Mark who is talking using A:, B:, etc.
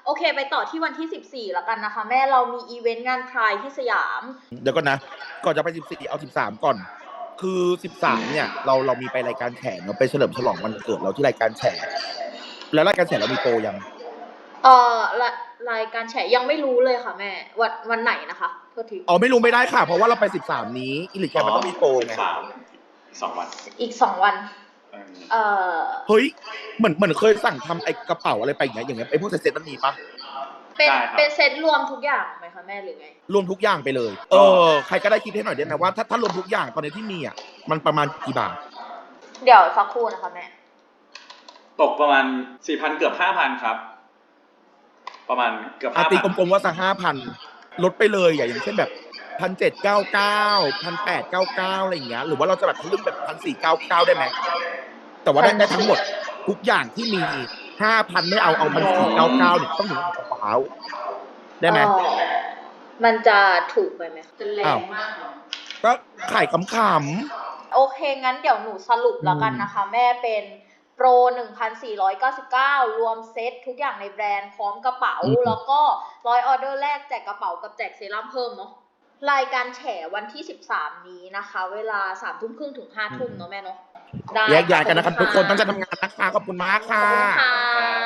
A: โอเคไปต่อที่วันที่14แล้วกันนะคะแม่เรามีอีเวนต์งานพรายที่สยาม
B: เดี๋ยวก่อนนะก่อนจะไป14เอา13ก่อนคือ13เนี่ยเรามีไปรายการแฉเนาะไปเฉลิมฉลองวันเกิดเราที่รายการแฉแล้วรายการแฉเรามีโปรยัง
A: รายการแฉยังไม่รู้เลยค่ะแม่วันไหนนะคะโทษที
B: ไม่รู้ไม่ได้ค่ะเพราะว่าเราไป13นี้อิลิแกมันต้องมีโปรไง
C: 2 วัน
A: อีก2 วัน
B: เฮ้ยเหมือนเคยสั่งทำไอ้กระเป๋าอะไรไปอย่างเงี้ยไอ้พวกเซ็ตมันมีปะ
A: เป็นเซตรวมทุกอย่างไหมคะแม่หรือไง
B: รวมทุกอย่างไปเลยใครก็ได้คิดให้หน่อยได้ไหมว่าถ้ารวมทุกอย่างตอนนี้ที่มีอ่ะมันประมาณกี่บาท
A: เดี๋ยวสักครู่นะคะแม่
C: ตกประมาณ 4,000 เกือบ 5,000 ครับประมาณเกือบ 5,000
B: ตีกลมๆว่าสัก 5,000 ลดไปเลยอย่างเช่นแบบ1,799 1,899อะไรอย่างเงี้ยหรือว่าเราจะแบบทะลึ่งแบบ1,499ได้ไหมแต่ว่าได้ทั้งหมดทุกอย่างที่มี 5,000 ไม่เอา1,499เนี่ยต้องถึงกระเป๋าได้ไหม
A: มันจะถูกไปไหมจะแรงมาก
B: ก็ขายขำ
A: ๆโอเคงั้นเดี๋ยวหนูสรุปแล้วกันนะคะแม่เป็นโปร 1,499 รวมเซตทุกอย่างในแบรนด์พร้อมกระเป๋าแล้วก็100ออเดอร์แรกแจกกระเป๋ากับแจกเซรั่มเพิ่มเนาะรายการแฉวันที่13นี้นะคะเวลา 3:30 ถึง 5:00 เนาะแม่เนาะ
B: ได้แยกย้ายกันนะครับทุกคนต้องจะทำงานนะคะขอบคุณมากค่ะ